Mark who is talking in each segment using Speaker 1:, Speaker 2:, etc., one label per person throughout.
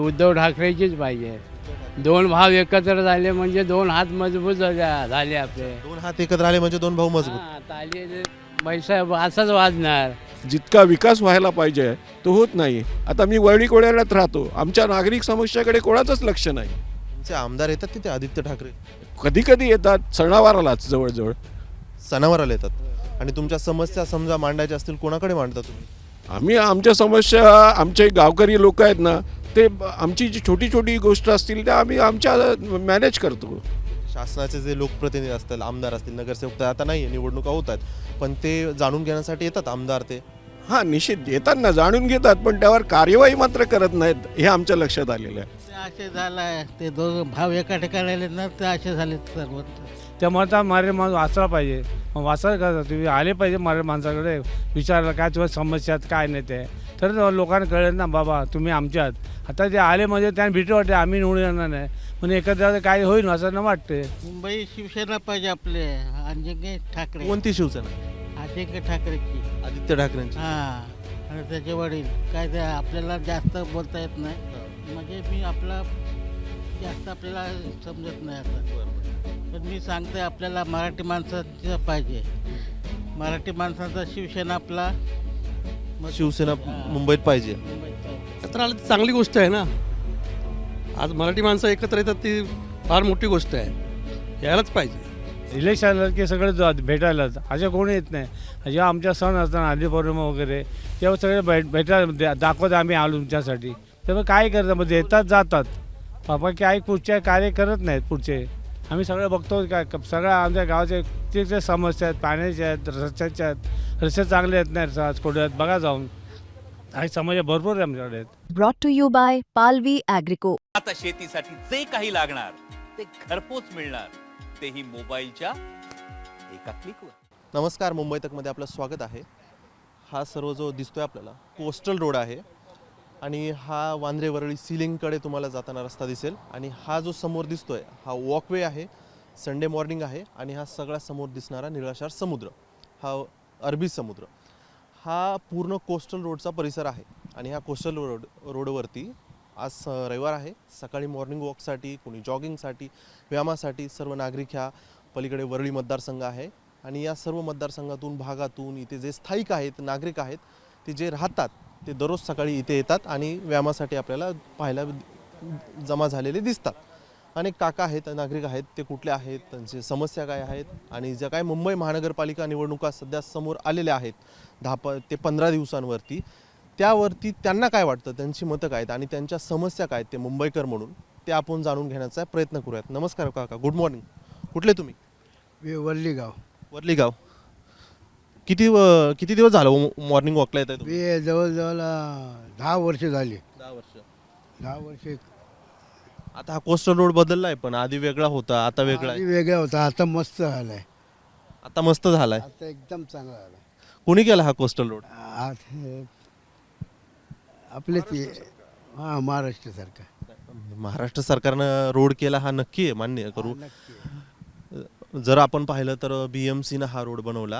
Speaker 1: उद्धव ठाकरेचीच पाहिजे. दोन भाव एकत्र झाले म्हणजे दोन हात मजबूत झाले आपले.
Speaker 2: दोन हात एकत्र आले म्हणजे दोन भाऊ मजबूत.
Speaker 1: हां, ताली पैसा असाच वाजणार.
Speaker 3: जितका विकास व्हायला पाहिजे तो होत नाही. आता मी वरळी कोळ्यालाच राहतो, आमच्या नागरिक समस्याकडे कोणाचंच लक्ष नाही.
Speaker 2: तुमचे आमदार येतात तिथे आदित्य ठाकरे
Speaker 3: कधी कधी येतात, सणावारालाच जवळजवळ.
Speaker 2: सणावाराला येतात आणि तुमच्या समस्या समजा मांडायच्या असतील कोणाकडे मांडता तुम्ही?
Speaker 3: आम्ही आमच्या समस्या, आमचे गावकरी लोक आहेत ना, ते आमची जी छोटी छोटी गोष्ट असतील त्या आम्ही आमच्या मॅनेज करतो.
Speaker 2: शासनाचे जे लोकप्रतिनिधी असतील, आमदार असतील, नगरसेवक तर आता नाही, निवडणुका होत आहेत, पण ते जाणून घेण्यासाठी येतात आमदार ते.
Speaker 3: हां, निश्चित येतात ना, जाणून घेतात, पण त्यावर कार्यवाही मात्र करत नाहीत, हे आमच्या लक्षात आलेलं आहे.
Speaker 4: असे झालं ते दोन भाव एका ठिकाणी आले ना, ते असे झाले सर्व.
Speaker 5: त्या म्हणता मारे माणूस वाचला पाहिजे. मग वाचायला का तुम्ही आले पाहिजे मारे माणसाकडे, विचारलं काय तुझ्या समस्या आहेत काय नाही ते, तर लोकांना कळेल ना बाबा तुम्ही आमच्यात. आता ते आले म्हणजे त्यांना भीती वाटते आम्ही निवडून येणार नाही, म्हणजे एकत्र काय होईल असं न वाटते.
Speaker 4: मुंबई शिवसेना पाहिजे आपले अजिंक्य ठाकरे.
Speaker 2: कोणती शिवसेना?
Speaker 4: अजिंक्य ठाकरेची.
Speaker 2: आदित्य ठाकरेंची.
Speaker 4: हां, आणि त्याचे वडील काय ते आपल्याला जास्त बोलता येत नाही, म्हणजे मी आपला जास्त आपल्याला समजत नाही आता. पण मी सांगते आपल्याला मराठी माणसाचं पाहिजे. मराठी माणसाचा शिवसेना आपला
Speaker 2: शिवसेना मुंबईत पाहिजे.
Speaker 6: एकत्र आलं तर चांगली गोष्ट आहे ना. आज मराठी माणसं एकत्र येतात ती फार मोठी गोष्ट आहे, यायलाच पाहिजे.
Speaker 5: इलेक्शन आलं की सगळे भेटायलाच, असे कोणी येत नाही. जेव्हा आमच्या सण असतात आधी पौर्णिमा वगैरे, तेव्हा सगळे भेटायला दाखवत आम्ही आलो तुमच्यासाठी. तेव्हा काय करतात म्हणजे येतात जातात, बाबा काय पुढचे कार्य करत नाहीत पुढचे. आम्ही सगळं बघतो काय सगळ्या आमच्या गावाचे किती समस्या आहेत, पाण्याच्या आहेत, रस्त्याच्या आहेत. रस्ते चांगले आहेत नाही आज कुठे आहेत बघा जाऊन, काही समस्या भरपूर आहे आमच्याकडे.
Speaker 7: ब्रॉट टू यू बाय पालवी ॲग्रिको.
Speaker 8: आता शेतीसाठी जे काही लागणार ते घरपोच मिळणार, तेही मोबाईलच्या एका क्लिकवर.
Speaker 2: नमस्कार, मुंबई तकमध्ये आपलं स्वागत आहे. हा सर्व जो दिसतोय आपल्याला कोस्टल रोड आहे आणि हा वांद्रे वरळी सिलिंगकडे तुम्हाला जाताना रस्ता दिसेल. आणि हा जो समोर दिसतोय हा वॉकवे आहे, संडे मॉर्निंग आहे आणि हा सगळा समोर दिसणारा निळाशार समुद्र, हा अरबी समुद्र, हा पूर्ण कोस्टल रोडचा परिसर आहे. आणि ह्या कोस्टल रोडवरती आज रविवार आहे, सकाळी मॉर्निंग वॉकसाठी, कोणी जॉगिंगसाठी, व्यायामासाठी सर्व नागरिक ह्या पलीकडे वरळी मतदारसंघ आहे. आणि या सर्व मतदारसंघातून भागातून इथे जे स्थायिक आहेत, नागरिक आहेत, ते जे राहतात ते दररोज सकाळी इथे येतात आणि व्यायामासाठी आपल्याला पाहायला जमा झालेले दिसतात. अनेक काका आहेत, नागरिक आहेत, ते कुठले आहेत, त्यांची समस्या काय आहेत आणि ज्या काय मुंबई महानगरपालिका निवडणुका सध्या समोर आलेल्या आहेत 10 ते 15 दिवसांवरती, त्यावरती त्यांना काय वाटतं, त्यांची मतं काय आहेत आणि त्यांच्या समस्या काय आहेत ते मुंबईकर म्हणून, ते आपण जाणून घेण्याचा प्रयत्न करूयात. नमस्कार काका, गुड मॉर्निंग. कुठले तुम्ही?
Speaker 9: वरली गाव.
Speaker 2: वरली गाव. किती दिवस झालं मॉर्निंग वॉकला येत आहे?
Speaker 9: मी जवळजवळ 10 वर्ष झाली.
Speaker 2: 10 वर्ष.
Speaker 9: वर्ष.
Speaker 2: आता हा कोस्टल रोड बदलला आहे, पण आधी वेगळा होता, आता वेगळा आहे.
Speaker 9: वेगळा होता, आता मस्त झालाय.
Speaker 2: आता मस्त झालाय.
Speaker 9: आता एकदम चांगला झालाय.
Speaker 2: कोणी केला हा कोस्टल रोड?
Speaker 9: आपलेच हां, महाराष्ट्र सरकार.
Speaker 2: महाराष्ट्र सरकारनं रोड केला, हा नक्की आहे, मान्य करू. जर आपण पाहिलं तर BMCनं हा रोड बनवला.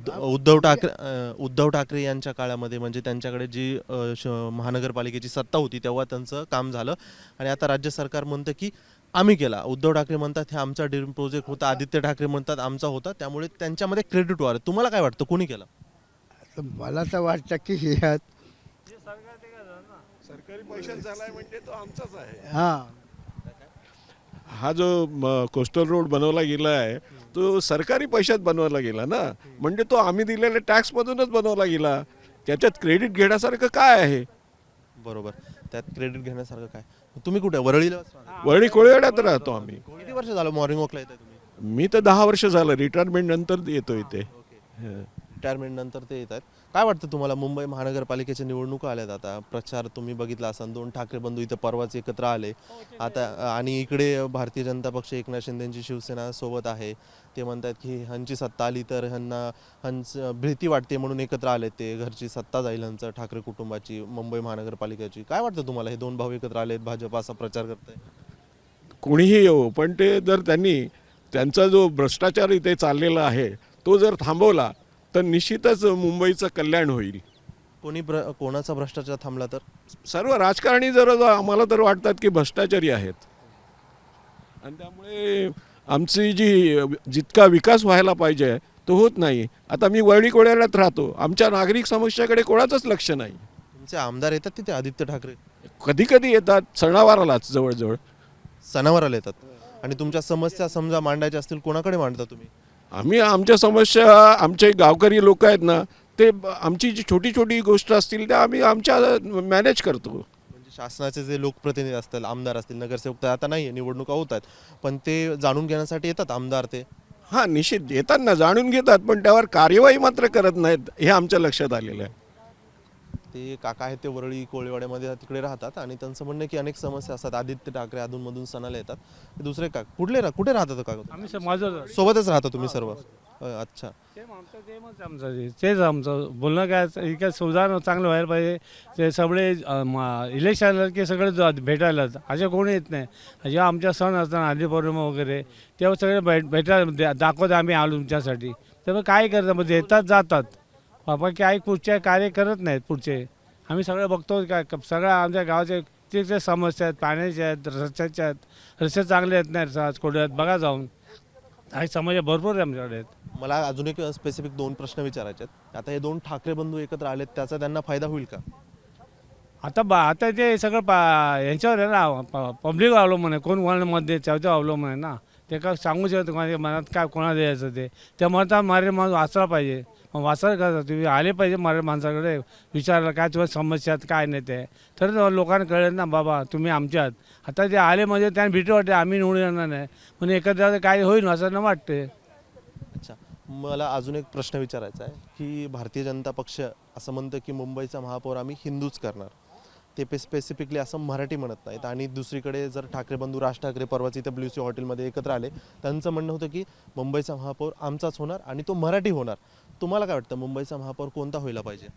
Speaker 2: उद्धव ठाकरे यांच्या काळामध्ये, म्हणजे त्यांच्याकडे जी महानगरपालिकेची सत्ता होती तेव्हा त्यांचं काम झालं. आणि आता राज्य सरकार म्हणतं की आम्ही केला. उद्धव ठाकरे म्हणतात हे आमचा ड्रीम प्रोजेक्ट होता, आदित्य ठाकरे म्हणतात आमचा होता, त्यामुळे त्यांच्यामध्ये क्रेडिट वार. तुम्हाला काय वाटतं, कोणी केला?
Speaker 9: मला तर वाटतं की ह्यात
Speaker 3: सरकारी पैशात झालाय म्हणजे तो आमचाच आहे.
Speaker 9: हां,
Speaker 3: हा जो कोस्टल रोड बनवला गेला आहे तो सरकारी पैशात बनवला गेला ना, म्हणजे तो आम्ही दिलेल्या टॅक्समधूनच बनवला गेला. त्याच्यात क्रेडिट घेण्यासारखं काय आहे?
Speaker 2: बरोबर, त्यात क्रेडिट घेण्यासारखं काय? तुम्ही कुठे? वरळीला.
Speaker 3: वरळी कोळीवाड्यात राहतो आम्ही.
Speaker 2: किती वर्ष झालं मॉर्निंग वॉकला येत आहे तुम्ही?
Speaker 3: मी तर 10 वर्ष झालं, रिटायरमेंट नंतर येतो इथे.
Speaker 2: रिटायरमेंट नंतर ते येत आहेत. काय वाटतं तुम्हाला, मुंबई महानगरपालिकेच्या निवडणुका आल्यात, आता प्रचार तुम्ही बघितला असाल, 2 ठाकरे बंधू इथं परवाच एकत्र आले आता, आणि इकडे भारतीय जनता पक्ष, एकनाथ शिंदेची शिवसेना सोबत आहे. ते म्हणतात की ह्यांची सत्ता आली तर ह्यांचं भीती वाटते म्हणून एकत्र आले, ते घरची सत्ता जाईल ह्यांचं, ठाकरे कुटुंबाची, मुंबई महानगरपालिकेची. काय वाटतं तुम्हाला, हे 2 भाऊ एकत्र आलेत, भाजप असा प्रचार करताय?
Speaker 3: कोणीही येऊ, पण ते जर त्यांनी त्यांचा जो भ्रष्टाचार इथे चाललेला आहे तो जर थांबवला तर निश्चितच मुंबईचं कल्याण होईल.
Speaker 2: कोणाचा भ्रष्टाचार थांबला तर?
Speaker 3: सर्व राजकारणी जर आम्हाला तर वाटतात की भ्रष्टाचारी आहेत आणि त्यामुळे आमची जितका विकास व्हायला पाहिजे तो होत नाही. आता मी वरळी कोळ्यालाच राहतो, आमच्या नागरिक समस्याकडे कोणाचंच लक्ष नाही.
Speaker 2: तुमचे आमदार येतात तिथे आदित्य ठाकरे?
Speaker 3: कधी कधी येतात, सणावारालाच जवळजवळ.
Speaker 2: सणावाराला येतात. आणि तुमच्या समस्या समजा मांडायच्या असतील कोणाकडे मांडता तुम्ही?
Speaker 3: आम्ही आमच्या समस्या, आमचे गावकरी लोक आहेत ना, ते आमची जी छोटी छोटी गोष्ट असतील त्या आम्ही आमच्या मॅनेज करतो.
Speaker 2: म्हणजे शासनाचे जे लोकप्रतिनिधी असतील, आमदार असतील, नगरसेवक तर आता नाही आहे, निवडणुका होत आहेत, पण ते जाणून घेण्यासाठी येतात आमदार ते?
Speaker 3: हां, निश्चित येतात ना, जाणून घेतात, पण त्यावर कार्यवाही मात्र करत नाहीत, हे आमच्या लक्षात आलेलं आहे.
Speaker 2: ते काका आहेत ते वरळी कोळीवाड्यामध्ये तिकडे राहतात आणि त्यांचं म्हणणं आहे की अनेक समस्या असतात. आदित्य ठाकरे अधूनमधून सणाला येतात. ते दुसरे का कुठे राहतात काका?
Speaker 5: आम्ही माझं
Speaker 2: सोबतच राहता तुम्ही सर्व? अच्छा.
Speaker 5: तेच आमचं बोलणं काय इकडे सुधारणा चांगलं व्हायला पाहिजे. ते सगळे इलेक्शन की सगळे भेटायला असे कोणी येत नाही. जेव्हा आमच्या सण असताना आधी पौर्णिमा वगैरे तेव्हा सगळे भेटायला दाखवत आम्ही आलो तुमच्यासाठी. तर काय करतात मग येतात जातात, बाबा काही पुढचे कार्य करत नाहीत पुढचे. आम्ही सगळं बघतो काय सगळ्या आमच्या गावाचे ते समस्या आहेत, पाण्याच्या आहेत, रस्त्याच्या आहेत. रस्ते चांगले आहेत नाही कोड्यात बघा जाऊन. काही समस्या भरपूर आहे आमच्याकडे आहेत.
Speaker 2: मला अजून एक स्पेसिफिक 2 प्रश्न विचारायचे आहेत. आता हे 2 ठाकरे बंधू एकत्र आलेत, त्याचा त्यांना फायदा होईल का?
Speaker 5: आता ते सगळं यांच्यावर आहे ना, पब्लिक अवलंबून आहे. कोण कोणाला मत देत त्याच्यावर अवलंबून आहे ना. ते काय सांगू शकतो कोणाच्या मनात काय कोणाला द्यायचं ते. त्या मनात मारे माणूस वाचला पाहिजे. मग वाचायला का तुम्ही आले पाहिजे मारे माणसाकडे विचारायला काय तुम्हाला समस्या आहेत काय नाही ते. तर लोकांना कळेल ना बाबा तुम्ही आमच्यात. आता ते आले म्हणजे त्यांना भीती वाटते आम्ही निवडून येणार नाही म्हणजे एकत्र काय होईल असं न वाटते.
Speaker 2: अच्छा, मला अजून एक प्रश्न विचारायचा आहे की भारतीय जनता पक्ष असं म्हणतं की मुंबईचा महापौर आम्ही हिंदूच करणार. ते स्पेसिफिकली असं मराठी म्हणत नाहीत. आणि दुसरीकडे जर ठाकरे बंधू राज ठाकरे परवाच इथं ब्ल्यू सी हॉटेलमध्ये एकत्र आले, त्यांचं म्हणणं होतं की मुंबईचा महापौर आमचाच होणार आणि तो मराठी होणार. तुम्हाला काय वाटतं मुंबईचा महापौर कोणता व्हायला पाहिजे?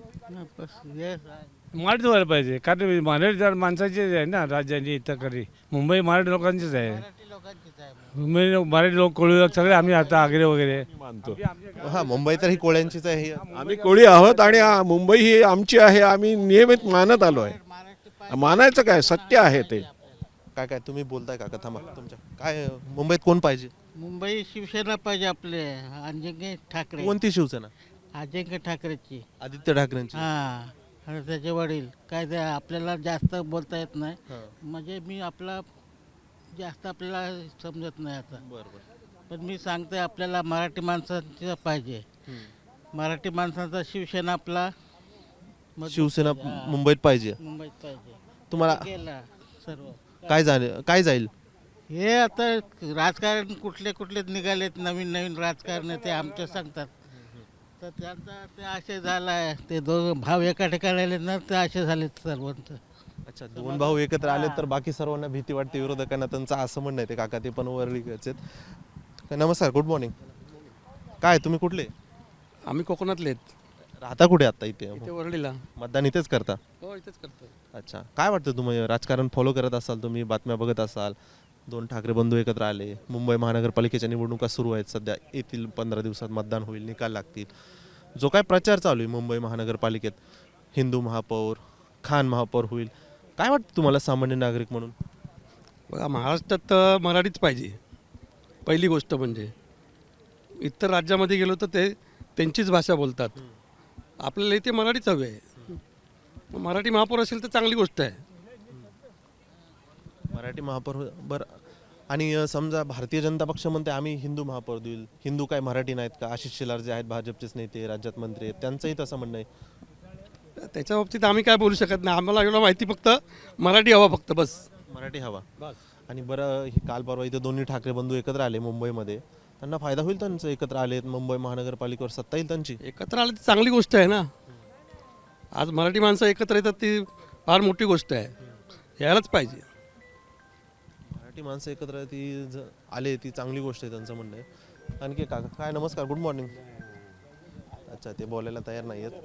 Speaker 5: मराठी व्हायला पाहिजे कारण मराठी माणसाचीच आहे ना राज्याची इथं करी. मुंबई मराठी लोकांचीच आहे. मुंबई मराठी लोक कोळी लोक सगळे आम्ही आता आगरे वगैरे
Speaker 3: मानतो.
Speaker 2: हां, मुंबई तर ही कोळ्यांचीच आहे.
Speaker 3: आम्ही कोळी आहोत आणि मुंबई ही आमची आहे. आम्ही नियमित मानत आलो आहे. मानायचं काय, सत्य आहे ते.
Speaker 2: काय तुम्ही बोलताय काका? थांबा. तुमच्या काय मुंबईत कोण पाहिजे?
Speaker 4: मुंबई शिवसेना पाहिजे आपले अजिंक्य ठाकरे.
Speaker 2: कोणती शिवसेना?
Speaker 4: अजिंक्य ठाकरेची.
Speaker 2: आदित्य ठाकरेंची?
Speaker 4: हां, आणि त्याचे वडील काय ते आपल्याला जास्त बोलता येत नाही.
Speaker 2: हां.
Speaker 4: म्हणजे मी जास्त आपल्याला समजत नाही आता.
Speaker 2: बरं.
Speaker 4: पण मी सांगते आपल्याला मराठी माणसाचं पाहिजे. मराठी माणसाचा शिवसेना आपला
Speaker 2: शिवसेना
Speaker 4: हां.
Speaker 2: मुंबईत पाहिजे.
Speaker 4: मुंबईत पाहिजे.
Speaker 2: तुम्हाला
Speaker 4: गेला सर्व
Speaker 2: काय जाईल?
Speaker 4: हे आता राजकारण कुठले निघालेत नवीन राजकारण ते आमच्या सांगतात. तर त्यांचा ते असे झाला आहे ते दोघं भाव एका ठिकाणी आले ना ते असे झालेत सर्वांचं.
Speaker 2: अच्छा, 2 भाऊ एकत्र आले तर बाकी सर्वांना भीती वाटते विरोधकांना, त्यांचं असं म्हणणं आहे. ते काका ते पण वरळीचे आहेत. नमस्कार, गुड मॉर्निंग. काय तुम्ही कुठले?
Speaker 6: आम्ही कोकणातले आहेत.
Speaker 2: राहता कुठे आता?
Speaker 6: इथे
Speaker 2: इथे
Speaker 6: वरळीला.
Speaker 2: मतदान इथेच करता?
Speaker 6: हो, इथेच करतो.
Speaker 2: अच्छा, काय वाटतं तुम्ही राजकारण फॉलो करत असाल, तुम्ही बातम्या बघत असाल, 2 ठाकरे बंधू एकत्र आले, मुंबई महानगरपालिकेच्या निवडणुका सुरू आहेत सध्या, येतील 15 दिवसात मतदान होईल, निकाल लागतील. जो काय प्रचार चालू आहे मुंबई महानगरपालिकेत, हिंदू महापौर, खान महापौर होईल, काय वाटतं तुम्हाला सामान्य नागरिक म्हणून?
Speaker 6: बघा, महाराष्ट्रात तर मराठीच पाहिजे पहिली गोष्ट. म्हणजे इतर राज्यामध्ये गेलो तर ते त्यांचीच भाषा बोलतात. आपल्याला इथे मराठीच हवी आहे. मग मराठी महापौर असेल तर चांगली गोष्ट आहे.
Speaker 2: मराठी महापौर बरं. आणि समजा भारतीय जनता पक्ष म्हणते आम्ही हिंदू महापौर देईल, हिंदू काय मराठी नाहीत का? आशिष शेलार जे आहेत भाजपचेच नेते, राज्यात मंत्री आहेत, त्यांचंही तसं म्हणणं आहे.
Speaker 6: त्याच्या बाबतीत आम्ही काय बोलू शकत नाही. आम्हाला एवढं माहिती फक्त मराठी हवा फक्त बस.
Speaker 2: मराठी हवा
Speaker 6: बस.
Speaker 2: आणि बरं, काल परवा इथं 2 ठाकरे बंधू एकत्र आले मुंबईमध्ये, त्यांना फायदा होईल त्यांचं? एकत्र आलेत, मुंबई महानगरपालिकेवर सत्ता येईल त्यांची.
Speaker 6: एकत्र आलं तर चांगली गोष्ट आहे ना. आज मराठी माणसं एकत्र येतात ती फार मोठी गोष्ट आहे. यायलाच पाहिजे.
Speaker 2: मराठी माणसं एकत्र आले ती चांगली गोष्ट आहे, त्यांचं म्हणणं आहे. आणखी काका काय? नमस्कार, गुड मॉर्निंग. अच्छा, ते बोलायला तयार नाही आहेत.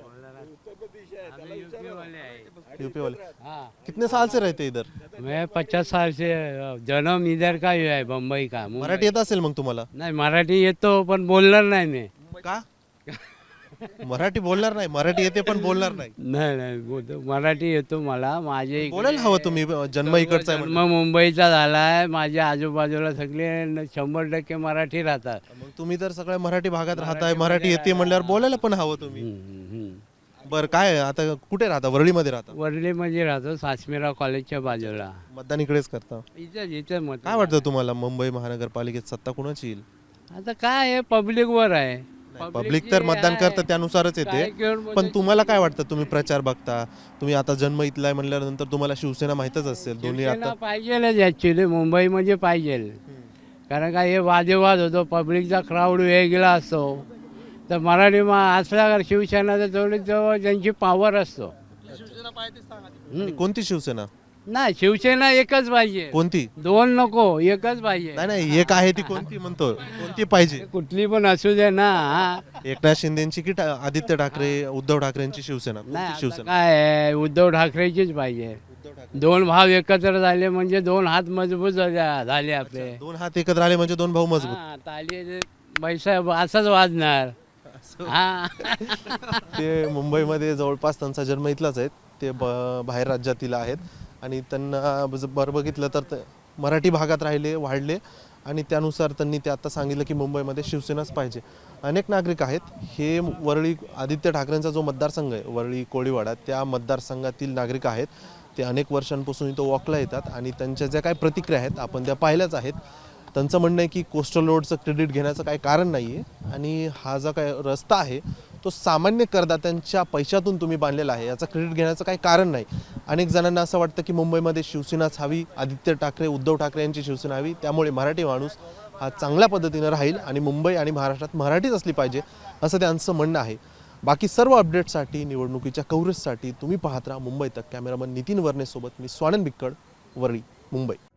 Speaker 2: यूपी वाले? कितने साल से रहते इधर?
Speaker 1: मैं 50 साल से जन्म इधर का ही है, मुंबई का.
Speaker 2: मराठी येत असेल मग तुम्हाला?
Speaker 1: नाही, मराठी येतो पण बोलणार नाही मी.
Speaker 2: का? मराठी बोलणार नाही, मराठी येते पण बोलणार नाही.
Speaker 1: नाही नाही बोलतो मराठी येतो मला. माझे इकडे
Speaker 2: बोलायला हवं तुम्ही, जन्म इकडचा आहे
Speaker 1: जन्म
Speaker 2: म्हणजे.
Speaker 1: मुंबईचा झालाय. माझ्या आजूबाजूला सगळे 100% मराठी राहतात.
Speaker 2: मग तुम्ही तर सगळ्या मराठी भागात राहताय, मराठी येते म्हणल्यावर बोलायला पण हवं तुम्ही. बरं, काय आता कुठे राहता? वरळीमध्ये राहता?
Speaker 1: वरली म्हणजे राहतो सासमेरा कॉलेजच्या बाजूला.
Speaker 2: मतदान इकडेच करता?
Speaker 1: इथं मत
Speaker 2: काय वाटतं तुम्हाला, मुंबई महानगरपालिकेत सत्ता कुणाची येईल?
Speaker 1: आता काय आहे पब्लिक वर आहे.
Speaker 2: पब्लिक तर मतदान करतं त्यानुसारच
Speaker 1: काय
Speaker 2: येते.
Speaker 1: घेऊन
Speaker 2: पण तुम्हाला काय वाटतं, तुम्ही प्रचार बघता, तुम्ही आता जन्म इथला आहे म्हणल्यानंतर तुम्हाला शिवसेना माहीतच असेल. दोन्ही आता
Speaker 1: पाहिजेलच ऍक्च्युली मुंबई म्हणजे पाहिजे. कारण का हे वादविवाद होतो, पब्लिकचा क्राऊड वेगळा असतो. तर मराठी असला शिवसेना तर तेवढी त्यांची पॉवर असतो.
Speaker 2: आणि कोणती शिवसेना?
Speaker 1: नाही शिवसेना एकच पाहिजे,
Speaker 2: कोणती?
Speaker 1: दोन नको, एकच पाहिजे.
Speaker 2: नाही नाही, एक आहे ती कोणती म्हणतो, कोणती पाहिजे?
Speaker 1: कुठली पण असू दे ना.
Speaker 2: एकनाथ शिंदेची की आदित्य ठाकरे, उद्धव ठाकरेंची शिवसेना? कोणती
Speaker 1: नाही आता
Speaker 2: शिवसेना?
Speaker 1: काय आहे, उद्धव ठाकरेचीच पाहिजे. दोन भाव एकत्र झाले म्हणजे दोन हात मजबूत झाले आपले.
Speaker 2: दोन हात एकत्र आले म्हणजे दोन भाऊ मजबूत.
Speaker 1: हा, ताली पैसा असाच वाजणार. हा
Speaker 2: ते मुंबईमध्ये जवळपास त्यांचा जन्म इथलाच आहे. ते बाहेर राज्यातील आहेत आणि त्यांना बरं बघितलं तर मराठी भागात राहिले, वाढले आणि त्यानुसार त्यांनी ते आता सांगितलं की मुंबईमध्ये शिवसेनाच पाहिजे. अनेक नागरिक आहेत. हे वरळी आदित्य ठाकरेंचा जो मतदारसंघ आहे, वरळी कोळीवाडा, त्या मतदारसंघातील नागरिक आहेत. ते अनेक वर्षांपासून इथं वॉकला येतात आणि त्यांच्या ज्या काही प्रतिक्रिया आहेत आपण त्या पाहिल्याच आहेत. त्यांचं म्हणणं आहे की कोस्टल रोडचं क्रेडिट घेण्याचं काही कारण नाही आहे आणि हा जो काय रस्ता आहे तो सामान्य करदात्यांच्या पैशातून तुम्ही बांधलेला आहे, याचं क्रेडिट घेण्याचं काही कारण नाही. अनेक जणांना असं वाटतं की मुंबईमध्ये शिवसेनाच हवी, आदित्य ठाकरे, उद्धव ठाकरे यांची शिवसेना हवी, त्यामुळे मराठी माणूस हा चांगल्या पद्धतीनं राहील आणि मुंबई आणि महाराष्ट्रात मराठीच असली पाहिजे असं त्यांचं म्हणणं आहे. बाकी सर्व अपडेट्ससाठी, निवडणुकीच्या कव्हरेजसाठी तुम्ही पाहत राहा मुंबई तक. कॅमेरामन नितीन वर्णेसोबत मी स्वानंद बिक्कड, वरळी, मुंबई.